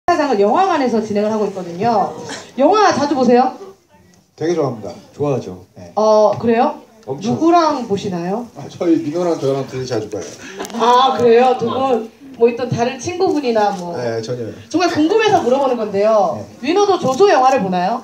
장을 영화관에서 진행을 하고 있거든요. 영화 자주 보세요? 되게 좋아합니다. 좋아하죠. 네. 그래요? 엄청. 누구랑 보시나요? 저희 민호랑 저랑 둘이 자주 봐요. 아, 그래요? 두 분 뭐 있던 다른 친구분이나 뭐. 네, 전혀요. 정말 궁금해서 물어보는 건데요. 네. 민호도 조조 영화를 보나요?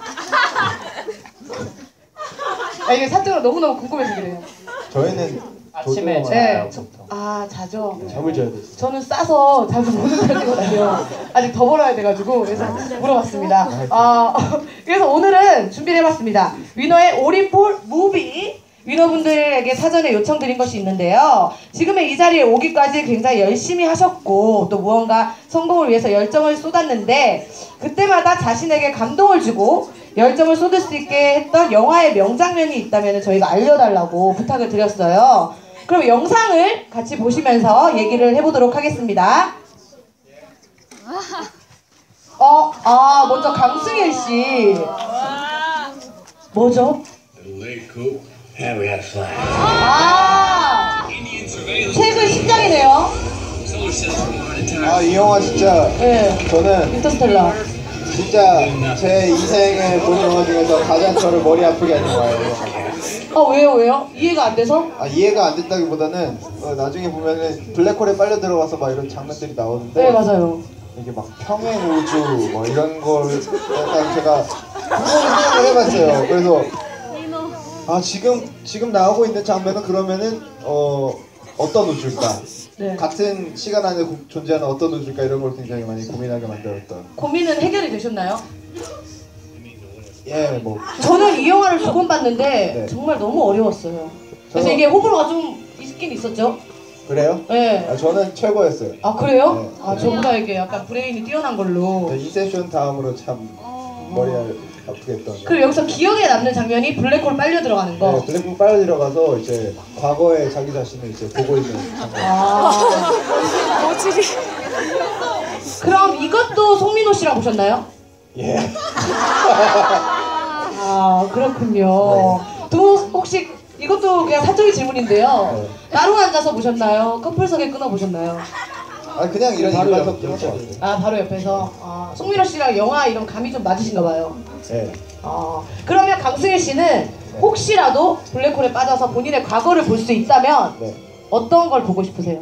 이게 사적으로 너무너무 궁금해서 그래요. 저희는 아침에 네. 자죠. 잠을 자야 돼. 저는 싸서 자주 보는 편이거든요. 아직 더 벌어야 돼가지고 그래서 물어봤습니다. 그래서 오늘은 준비를 해봤습니다. 위너의 올인폴 무비. 위너분들에게 사전에 요청드린 것이 있는데요. 지금의 이 자리에 오기까지 굉장히 열심히 하셨고 또 무언가 성공을 위해서 열정을 쏟았는데 그때마다 자신에게 감동을 주고 열정을 쏟을 수 있게 했던 영화의 명장면이 있다면 저희가 알려달라고 부탁을 드렸어요. 그럼 영상을 같이 보시면서 얘기를 해보도록 하겠습니다. 먼저 강승일 씨. 뭐죠? 최근 신작이네요. 이 영화 진짜 네. 저는 인터스텔라. 진짜 제 인생에 본 영화 중에서 가장 저를 머리 아프게 하는 영화예요. 왜요? 이해가 안 돼서? 이해가 안 됐다기보다는 나중에 보면은 블랙홀에 빨려 들어가서 막 이런 장면들이 나오는데 네, 맞아요. 이게 막 평행 우주 뭐 이런 걸 약간 제가 생각을 해봤어요. 그래서 지금 나오고 있는 장면은 그러면은 어떤 우주일까? 네. 같은 시간 안에 존재하는 어떤 우주일까 이런 걸 굉장히 많이 고민하게 만들었던. 고민은 해결이 되셨나요? 예, 뭐. 저는 이 영화를 두 번 봤는데 네. 정말 너무 어려웠어요. 그래서 이게 호불호가 좀 있긴 있었죠? 그래요? 네. 저는 최고였어요. 그래요? 네. 저보다 이게 약간 브레인이 뛰어난 걸로. 인셉션 다음으로 참 머리가 아프게 했던. 그리고 여기서 기억에 남는 장면이 블랙홀 빨려 들어가는 거. 네, 블랙홀 빨려 들어가서 이제 과거의 자기 자신을 이제 보고 있는 장면. 그럼 이것도 송민호 씨랑 보셨나요? 예. 그렇군요. 두 분 혹시 이것도 그냥 사적인 질문인데요. 네. 따로 앉아서 보셨나요? 커플석에 끊어 보셨나요? 그냥 이런 바로 일반석 옆에 들었죠. 바로 옆에서. 송민호 씨랑 영화 이런 감이 좀 맞으신가 봐요. 예. 그러면 강승일 씨는 혹시라도 블랙홀에 빠져서 본인의 과거를 볼 수 있다면 네. 어떤 걸 보고 싶으세요?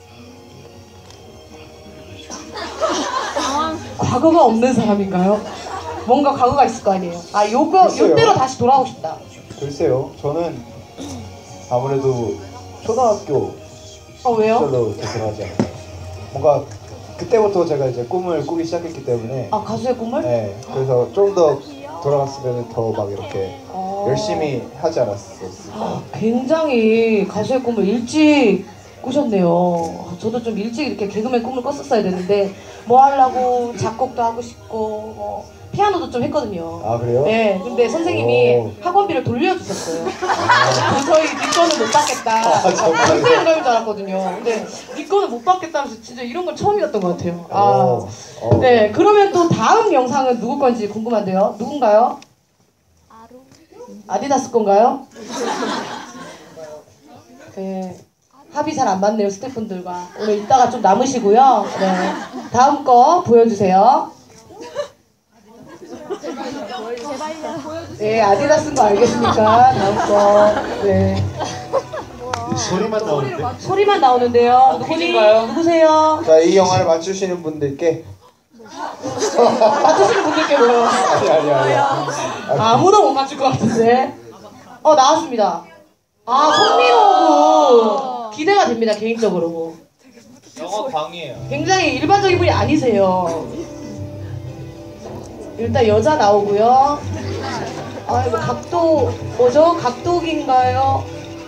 과거가 없는 사람인가요? 뭔가 과거가 있을 거 아니에요. 글쎄요. 요때로 다시 돌아가고 싶다. 글쎄요. 저는 아무래도 초등학교 왜요? 시절로 되돌아가지 않을까. 뭔가 그때부터 제가 이제 꿈을 꾸기 시작했기 때문에. 가수의 꿈을? 네. 그래서 좀 더 돌아갔으면 더 막 이렇게 열심히 하지 않았었을까. 굉장히 가수의 꿈을 일찍 꾸셨네요. 저도 좀 일찍 이렇게 개그맨 꿈을 꿨었어야 되는데 뭐 하려고 작곡도 하고 싶고 피아노도 좀 했거든요. 그래요? 네, 근데 선생님이 학원비를 돌려주셨어요. 도저히 네 거는 못 받겠다. 정말요? 선생님 영감인 줄 알았거든요. 근데 네 거는 못 받겠다면서 진짜 이런 건 처음이었던 것 같아요. 네, 그러면 또 다음 영상은 누구 건지 궁금한데요. 누군가요? 아디다스 건가요? 네. 합의 잘 안 맞네요, 스태프분들과. 오늘 이따가 좀 남으시고요. 네. 다음 거 보여주세요. 네, 아디다스인 거 알겠습니까? 다음 거. 네. 소리만 나오는데. 소리만 나오는데요. 누구세요? 자, 이 영화를 맞추시는 분들께. 맞추시는 분들께 뭐요? 아니. 아무도 못 맞출 것 같은데. 나왔습니다. 송민호 기대가 됩니다, 개인적으로. 영어 광이에요. 굉장히 일반적인 분이 아니세요. 일단 여자 나오고요. 각도 뭐죠? 각도기인가요?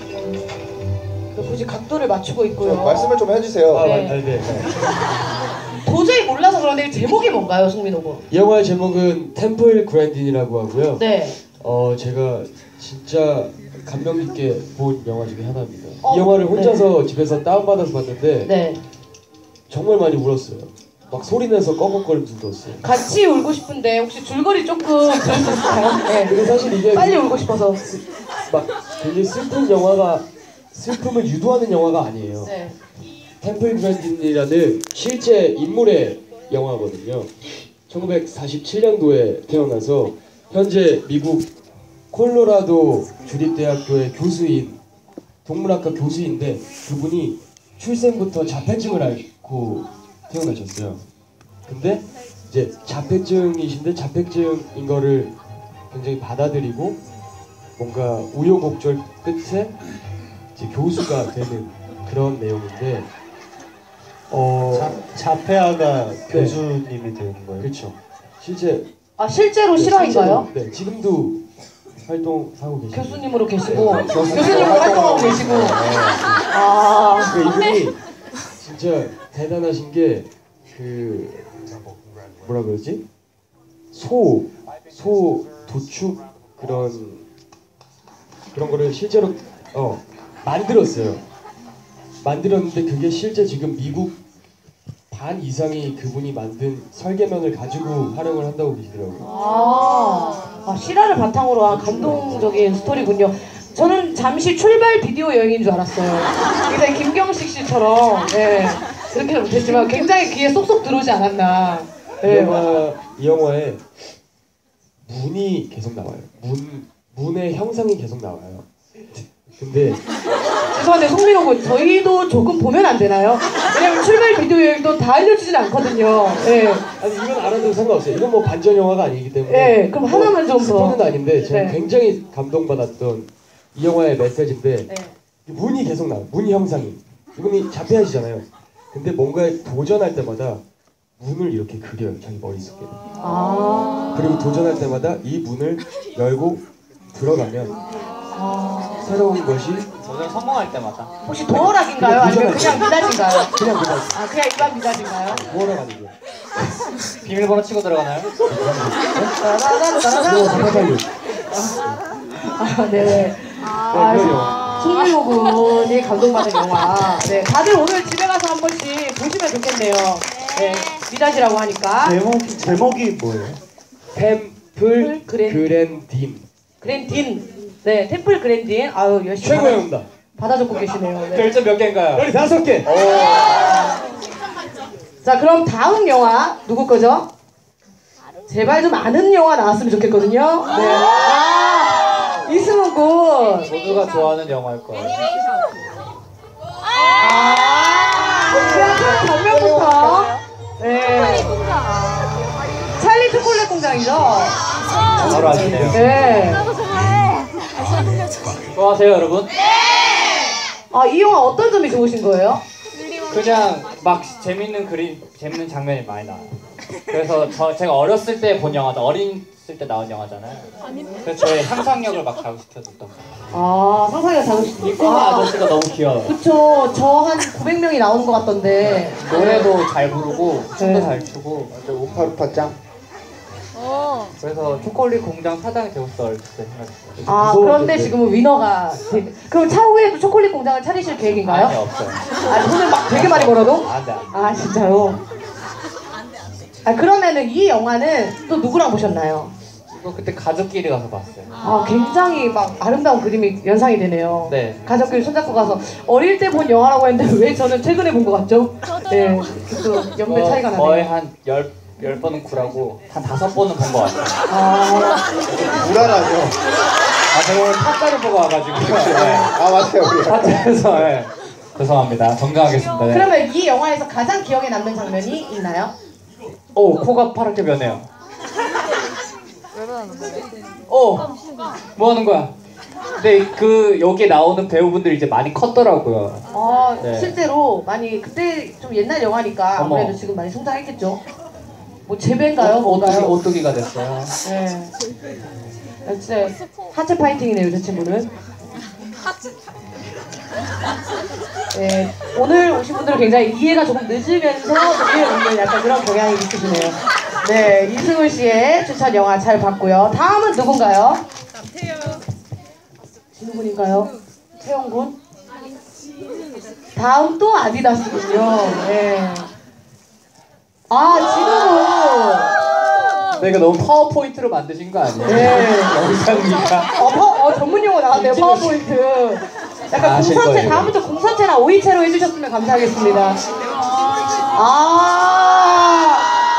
굳이 각도를 맞추고 있고요. 말씀을 좀 해주세요. 네. 도저히 몰라서 그런데 제목이 뭔가요, 송민호 군? 이 영화의 제목은 템플 그랜딘이라고 하고요. 네. 제가 진짜 감명 깊게 본 영화 중에 하나입니다. 이 영화를 혼자서 집에서 다운받아서 봤는데 네. 정말 많이 울었어요. 막 소리내서 꺽꺽거리면서 울었어요. 같이 울고 싶은데 혹시 줄거리 조금 들을 수 있을까요? 네. 근데 사실 이게 빨리 울고 싶어서. 막 굉장히 슬픈 영화가 슬픔을 유도하는 영화가 아니에요. 네. 템플 그랜딘이라는 실제 인물의 영화거든요. 1947년도에 태어나서 현재 미국 콜로라도 주립대학교의 교수인 동물학과 교수인데 그분이 출생부터 자폐증을 앓고 태어나셨어요. 근데 이제 자폐증이신데 자폐증인 거를 굉장히 받아들이고 뭔가 우여곡절 끝에 이제 교수가 되는 그런 내용인데 자폐아가 교수님이 되는 거예요? 그렇죠. 실제로 실화인가요? 네, 지금도 활동하고 계시고 교수님으로 계시고 교수님으로 활동하고 계시고 이분이 진짜 대단하신 게 뭐라 그러지? 소 도축 그런 거를 실제로 만들었어요. 만들었는데 그게 실제 지금 미국 반 이상이 그분이 만든 설계면을 가지고 활용을 한다고 계시더라고요. 실화를 바탕으로 한 감동적인 스토리군요. 저는 잠시 출발 비디오 여행인 줄 알았어요. 굉장히 김경식 씨처럼 그렇게는 못했지만 굉장히 귀에 쏙쏙 들어오지 않았나. 이 영화에 문이 계속 나와요. 문의 형상이 계속 나와요. 근데 죄송한데 송민호 군 저희도 조금 보면 안 되나요? 왜냐면 출발 비디오 여행도 다 알려주진 않거든요. 아니 이건 알아도 상관없어요. 이건 뭐 반전 영화가 아니기 때문에. 그럼 하나만 좀 더. 스포는 아닌데 저는 굉장히 감동받았던 이 영화의 메시지인데 문이 계속 나와요. 문 형상이. 이분이 자폐하시잖아요. 근데 뭔가에 도전할 때마다 문을 이렇게 그려요. 자기 머릿속에. 그리고 도전할 때마다 이 문을 열고 들어가면 새로운 것이 도전 성공할 때마다. 혹시 도어락인가요? 아니면 그냥 미닫인가요? 그냥 그냥 일반 미닫인가요? 뭐라 가지고 비밀번호 치고 들어가나요? 네. 송민호 군이 감동받은 영화. 네, 다들 오늘 집에 가서 한 번씩 보시면 좋겠네요. 미닫이라고 하니까. 제목이 뭐예요? 템플 그랜딘. 그랜딘. 네, 템플 그랜딘. 아유, 열심히 최고의 응답. 받아 적고 계시네요. 네. 별점 몇 개인가요? 15개. 자, 그럼 다음 영화 누구 거죠? 제발 좀 아는 영화 나왔으면 좋겠거든요. 네. 이승훈 군. 모두가 좋아하는 영화일 거예요. 그냥 장면부터. 네. 찰리 초콜릿 공장이죠? 바로 아시네요. 네. 좋아하세요, 여러분? 이 영화 어떤 점이 좋으신 거예요? 그냥 막 재밌는 장면이 많이 나와요. 그래서 제가 어렸을 때 본 영화죠. 어렸을 때 나온 영화잖아요. 그래서 저의 상상력을 막 자극시켜줬던 거예요. 상상력 자극시키고. 이 꼬마 아저씨가 너무 귀여워요. 그쵸. 저 한 900명이 나오는 것 같던데. 노래도 잘 부르고 춤도 잘 추고 우파루파 짱. 그래서 초콜릿 공장 사장이 되고 싶어 어렸을 때 생각했어요. 그런데 지금은 위너가. 그럼 차후에도 초콜릿 공장을 차리실 계획인가요? 아니, 없어요. 돈을 막 되게 많이 벌어도? 안 돼. 진짜요? 그러면은 이 영화는 또 누구랑 보셨나요? 이거 그때 가족끼리 가서 봤어요. 굉장히 막 아름다운 그림이 연상이 되네요. 네. 가족끼리 손잡고 가서 어릴 때 본 영화라고 했는데 왜 저는 최근에 본 것 같죠? 네, 또 연배 차이가 나네요. 거의 한 10번은 구라고 한 5번은 본 것 같아요. 불안하죠. 제가 오늘 타짜를 보고 와가지고. 맞아요, 우리. 타짜에서, 죄송합니다. 정정하겠습니다. 네. 그러면 이 영화에서 가장 기억에 남는 장면이 있나요? 코가 파랗게 변해요. 뭐 하는 거야? 근데 여기에 나오는 배우분들이 이제 많이 컸더라고요. 네. 실제로 많이 그때 좀 옛날 영화니까 아무래도 지금 많이 성장했겠죠. 뭐 재배인가요? 뭔가요? 오뚜기가 됐어요. 네. 진짜 하체 파이팅이네요, 저 친구는. 네, 오늘 오신 분들은 굉장히 이해가 조금 늦으면서 이해 없는 약간 그런 경향이 있으시네요. 네, 이승훈 씨의 추천 영화 잘 봤고요. 다음은 누군가요? 진우 군인가요? 태영 군? 다음 또 아디다스군요. 네. 진우 군. 이거 너무 파워포인트로 만드신 거 아니에요? 네. 영상이니까. 전문 용어 나왔네요. 파워포인트. 약간 공선체, 다음부터 공선체나 오이체로 해주셨으면 감사하겠습니다.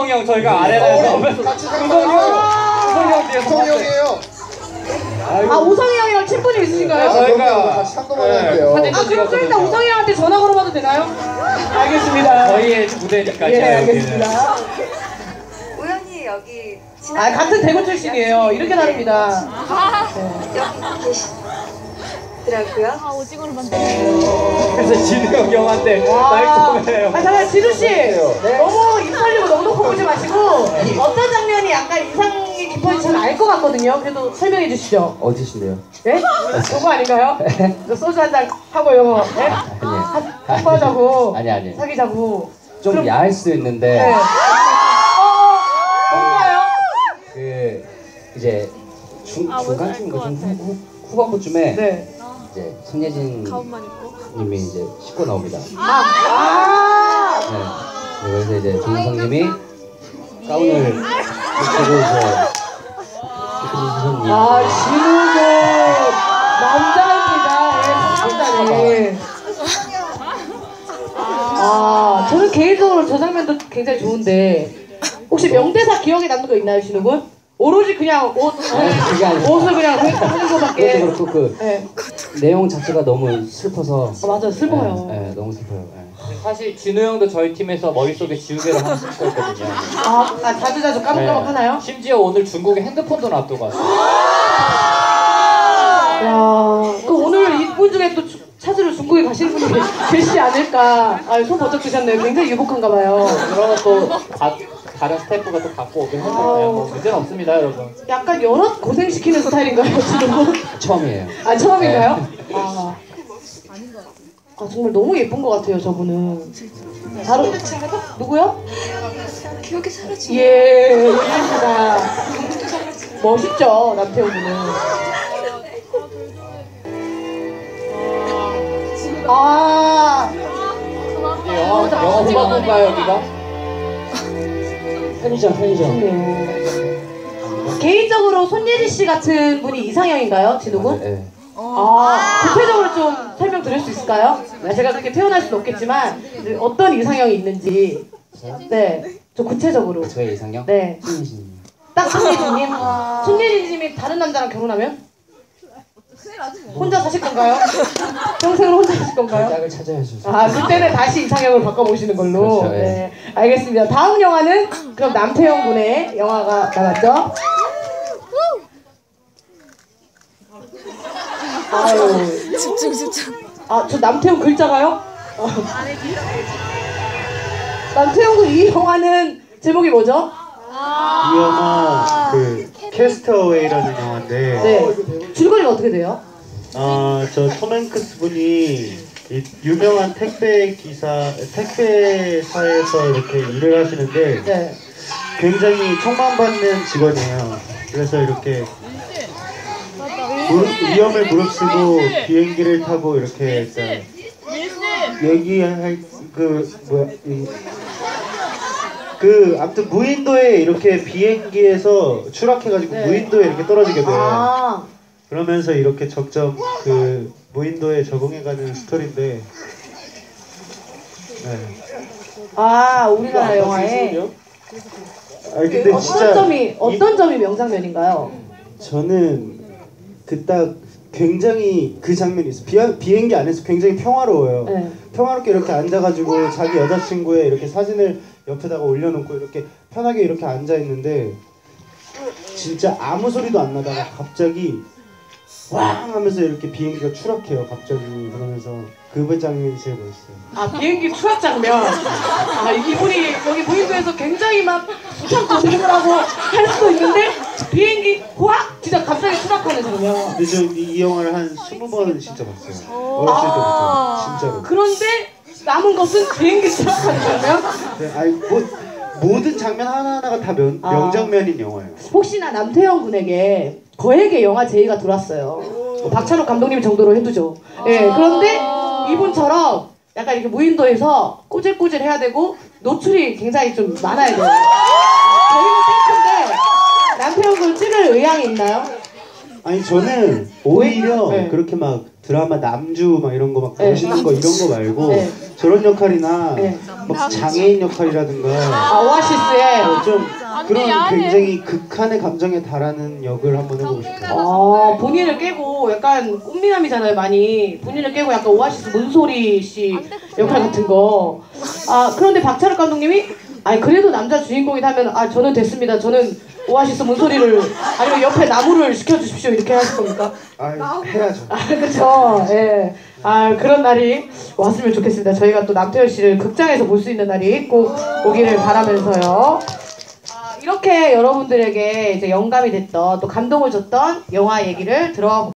우성이 형 저희가 아레나에서 같이 우성이 형 뒤에서 우성이 형이에요. 아 우성이 형이랑 친분이 있으신가요? 저희가 같이 상담하는데요. 사진 아 그럼 좀 이따 우성이 형한테 전화 걸어봐도 되나요? 알겠습니다. 저희의 무대니까 예 제가 여기는. 알겠습니다. 우연히 여기 아 같은 대구 출신이에요. 이렇게 다릅니다. 여기 계시더라고요. 그래서 진우 형한테 와. 날 좀 해요. 아 잠깐 지루 씨 너무 입 벌리고 너무 높아 보지 마시고 어떤 장면이 약간 인상이 깊어진지 잘 알 것 같거든요. 그래도 설명해 주시죠. 어디신데요? 예? 요거 아닌가요? 저 소주 한 잔 하고 요거 예? 한번하자고 아니. 사귀자고 좀 그럼- 야할 수 있는데 네. 뭔가요? 그 이제 중간쯤인가 좀 후반부쯤에 네. 이제 손예진 님이 이제 씻고 나옵니다. 아! 네. 그래서 이제 정우성님이 가운을 입고 이제 아, 진우도 남자입니다. 예, 남자네. 아, 저는 개인적으로 저 장면도 굉장히 좋은데 혹시 명대사 기억에 남는 거 있나요, 진우군? 오로지 그냥 그게 아니라 옷을 그냥 하는 거밖에. 그것도 그렇고 그 네. 내용 자체가 너무 슬퍼서 맞아요, 슬퍼요. 네, 너무 슬퍼요. 네. 사실 진우 형도 저희 팀에서 머릿속에 지우개를 하나 쓰고 있거든요. 자주자주 까먹까먹 하나요? 심지어 오늘 중국에 핸드폰도 놔두고 왔어요. 야, 그 오늘 이분 중에 또 찾으러 중국에 가시는 분이 계시지 않을까. 아, 손 번쩍 드셨네요. 굉장히 유복한가 봐요. 그러면 또 다른 스태프가 또 갖고 오긴 했는데 뭐 문제는 없습니다, 여러분. 약간 여럿 고생시키는 스타일인가요, 지금? 처음이에요. 아, 처음인가요? 아, 정말 너무 예쁜 것 같아요, 저분은. 바로, 누구요? 기억이 사라지. 예, 예입니다. 멋있죠, 남태호 군은. 아, 영어 후반부인가요, 여기가? 편의점. 개인적으로 손예진 씨 같은 분이 이상형인가요, 진우 군? 네. 구체적으로 좀 설명 드릴 수 있을까요? 제가 그렇게 표현할 수는 없겠지만 어떤 이상형이 있는지. 네, 좀 구체적으로. 저의 이상형? 네, 손예진. 딱 손예진님. 손예진님이 다른 남자랑 결혼하면 혼자 사실 건가요? 평생을 혼자 사실 건가요? 짝을 찾아야죠. 아, 그때는 다시 이상형을 바꿔보시는 걸로. 그렇죠, 예. 네, 알겠습니다. 다음 영화는 그럼 남태형 군의 영화가 나왔죠? 아유. 집중. 아, 저 남태형 글자가요? 남태형 군 이 영화는 제목이 뭐죠? 이 영화 그 캐스터웨이라는 영화인데 네. 줄거리가 어떻게 돼요? 저 톰 행크스 분이 이 유명한 택배사에서 이렇게 일을 하시는데 네. 굉장히 총망받는 직원이에요. 그래서 이렇게 위험을 무릅쓰고 비행기를 타고 이렇게 일단 얘기할 아무튼 무인도에 이렇게 비행기에서 추락해가지고 네. 무인도에 이렇게 떨어지게 돼요. 아, 그러면서 이렇게 적점 그 무인도에 적응해가는 스토리인데, 네. 아, 우리나라 영화에 아니 근데 진짜 어떤 점이 명장면인가요? 저는 그 딱 굉장히 그 장면이 있어요. 비행기 안에서 굉장히 평화로워요. 네. 평화롭게 이렇게 앉아가지고 자기 여자친구의 이렇게 사진을 옆에다가 올려놓고 이렇게 편하게 이렇게 앉아 있는데 진짜 아무 소리도 안 나다가 갑자기 왕 하면서 이렇게 비행기가 추락해요. 갑자기 그러면서 그 장면이 제일 멋있어요. 아, 비행기 추락 장면. 아, 이분이 여기 무인도에서 굉장히 막 수천 고생을 하고 할 수도 있는데 비행기 확 진짜 갑자기 추락하는 장면. 근데 저 이 영화를 한 20번 진짜 봤어요. 어렸을 때부터 진짜로. 그런데 남은 것은 비행기 추락하는 장면? 네, 아니 모든 장면 하나하나가 다 명장면인 영화예요. 혹시나 남태형 군에게 거액의 영화 제의가 들어왔어요. 박찬욱 감독님 정도로 해두죠. 예, 그런데 이분처럼 약간 이렇게 무인도에서 꼬질꼬질 해야 되고 노출이 굉장히 좀 많아야 돼요. 저희는 땡큐인데 남태형 군 찍을 의향이 있나요? 아니 저는 오히려 네. 그렇게 막 드라마 남주 막 이런 거 막 네. 멋있는 거 이런 거 말고 네. 저런 역할이나 네. 막 장애인 역할이라든가 아, 오아시스의 좀 그런 굉장히 극한의 감정에 달하는 역을 한번 해보고 싶어요. 본인을 깨고 약간 꽃미남이잖아요, 많이. 본인을 깨고 약간 오아시스 문소리 씨 역할 같은 거. 그런데 박찬욱 감독님이 그래도 남자 주인공이다 하면 저는 됐습니다. 저는 오아시스 문소리를 아니면 옆에 나무를 시켜주십시오 이렇게 하실 겁니까? 해야죠. 그렇죠. 예. 그런 날이 왔으면 좋겠습니다. 저희가 또 남태현 씨를 극장에서 볼 수 있는 날이 꼭 오기를 바라면서요. 이렇게 여러분들에게 이제 영감이 됐던 또 감동을 줬던 영화 얘기를 들어보겠습니다.